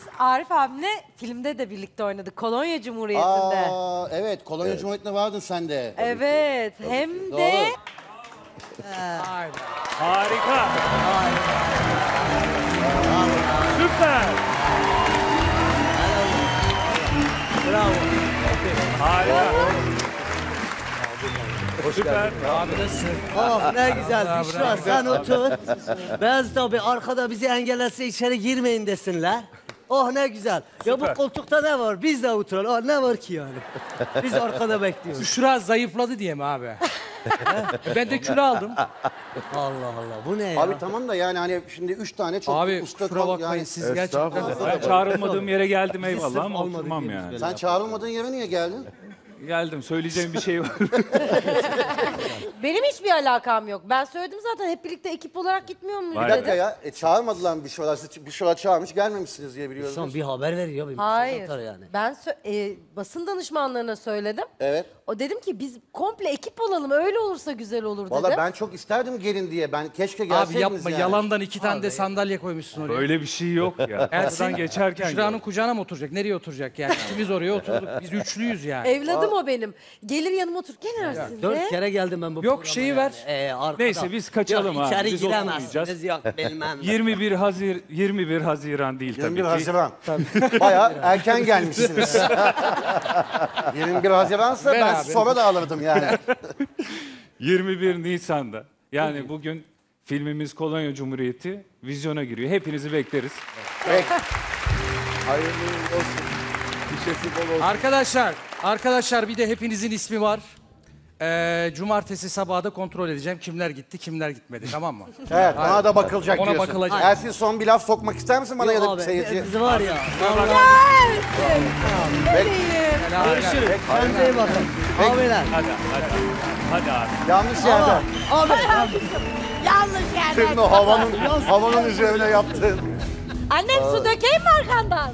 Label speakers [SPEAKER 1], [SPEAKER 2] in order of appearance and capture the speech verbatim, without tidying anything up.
[SPEAKER 1] Arif abimle filmde de birlikte oynadık. Kolonya Cumhuriyeti'nde.
[SPEAKER 2] Aa, evet, Kolonya evet. Cumhuriyeti'nde vardın sen de.
[SPEAKER 1] Evet,
[SPEAKER 2] Tabii
[SPEAKER 1] hem
[SPEAKER 2] ki.
[SPEAKER 1] de...
[SPEAKER 3] Harika. Süper.
[SPEAKER 4] Bravo.
[SPEAKER 3] Harika.
[SPEAKER 4] Hoş
[SPEAKER 3] Süper.
[SPEAKER 4] geldin. Abi nasılsın? Oh ne güzel. Büşra sen otur. Beyaz tabi arkada bizi engellese içeri girmeyin desinler. Oh ne güzel. Ya bu koltukta ne var? Biz de oturalım. Oh, ne var ki yani? Biz arkada bekliyoruz.
[SPEAKER 5] Büşra zayıfladı diye mi abi? Ben de kilo aldım.
[SPEAKER 4] Allah Allah bu ne ya?
[SPEAKER 2] Abi tamam da yani hani şimdi üç tane çok
[SPEAKER 5] Abi
[SPEAKER 2] usta
[SPEAKER 5] kusura
[SPEAKER 2] kal
[SPEAKER 5] bakmayın
[SPEAKER 2] yani.
[SPEAKER 5] siz gerçekten...
[SPEAKER 3] Ben çağrılmadığım yere geldim
[SPEAKER 4] Bizi
[SPEAKER 3] eyvallah
[SPEAKER 4] sırf
[SPEAKER 3] ama
[SPEAKER 4] almadık
[SPEAKER 3] oturmam
[SPEAKER 4] diye biz
[SPEAKER 3] yani.
[SPEAKER 4] böyle
[SPEAKER 2] Sen çağrılmadığın yere niye geldin?
[SPEAKER 3] Geldim söyleyeceğim bir şey var.
[SPEAKER 1] Benim hiçbir alakam yok. Ben söyledim zaten hep birlikte ekip olarak gitmiyor muyuz
[SPEAKER 3] Vay
[SPEAKER 2] Bir dakika
[SPEAKER 1] dedim.
[SPEAKER 2] ya, e, çağırmadılar mı bir şeyler? Siz bir şeyler çağırmış, gelmemişsiniz diye biliyoruz.
[SPEAKER 4] Son bir haber veriyor. Bir
[SPEAKER 1] Hayır.
[SPEAKER 4] atar yani.
[SPEAKER 1] Ben sö- e, basın danışmanlarına söyledim.
[SPEAKER 2] Evet.
[SPEAKER 1] O dedim ki biz komple ekip olalım. Öyle olursa güzel olur dedim.
[SPEAKER 2] Valla ben çok isterdim gelin diye. Ben keşke gelseydiniz
[SPEAKER 5] Abi yapma
[SPEAKER 2] yani.
[SPEAKER 5] yalandan iki tane de sandalye koymuşsun oraya.
[SPEAKER 3] Böyle bir şey yok ya. Aradan geçerken
[SPEAKER 5] Büşra'nın kucağına mı oturacak? Nereye oturacak yani? İkimiz oraya oturduk. Biz üçlüyüz yani.
[SPEAKER 1] Evladım o benim. Gelir yanıma otur. Gel Ersin
[SPEAKER 4] Dört
[SPEAKER 1] de.
[SPEAKER 4] kere geldim ben bu
[SPEAKER 5] Yok,
[SPEAKER 4] programa
[SPEAKER 5] şeyi
[SPEAKER 4] yani.
[SPEAKER 5] ver.
[SPEAKER 4] Ee, arkada.
[SPEAKER 3] Neyse, biz kaçalım
[SPEAKER 4] yok,
[SPEAKER 3] abi.
[SPEAKER 4] içeri
[SPEAKER 3] Biz
[SPEAKER 4] giremezsiniz.
[SPEAKER 3] oturmayacağız.
[SPEAKER 4] Yok bilmem.
[SPEAKER 3] yirmi bir Hazir yirmi bir Haziran değil tabii
[SPEAKER 2] yirmi bir
[SPEAKER 3] ki.
[SPEAKER 2] Haziran. Bayağı erken gelmişsiniz. yirmi bir Haziran'sa
[SPEAKER 5] Ver
[SPEAKER 2] ben
[SPEAKER 5] abi.
[SPEAKER 2] sonra da alırdım yani.
[SPEAKER 3] yirmi bir Nisan'da. Yani bugün filmimiz Kolonya Cumhuriyeti vizyona giriyor. Hepinizi bekleriz.
[SPEAKER 2] Peki.
[SPEAKER 6] Hayırlı olsun. Şişesi bol olsun.
[SPEAKER 5] Arkadaşlar, arkadaşlar bir de hepinizin ismi var. Ee, cumartesi sabahı da kontrol edeceğim. Kimler gitti, kimler gitmedi. Tamam mı?
[SPEAKER 2] Evet, ona da bakılacak
[SPEAKER 5] Ona
[SPEAKER 2] diyorsun.
[SPEAKER 5] bakılacak.
[SPEAKER 2] Ersin son bir laf sokmak ister misin bana ya da seyirciye?
[SPEAKER 4] Biz var ya.
[SPEAKER 1] Ersin.
[SPEAKER 2] Peki.
[SPEAKER 4] Görüşürüz. Kendinize iyi bakın. Abiler.
[SPEAKER 3] Hadi hadi. Hadi abi.
[SPEAKER 2] Yanlış yerde.
[SPEAKER 4] Abi.
[SPEAKER 1] Yanlış yerde.
[SPEAKER 2] Senin o havanın, havanın üzerine yaptığın.
[SPEAKER 1] Annem su dökeyim mi arkandan?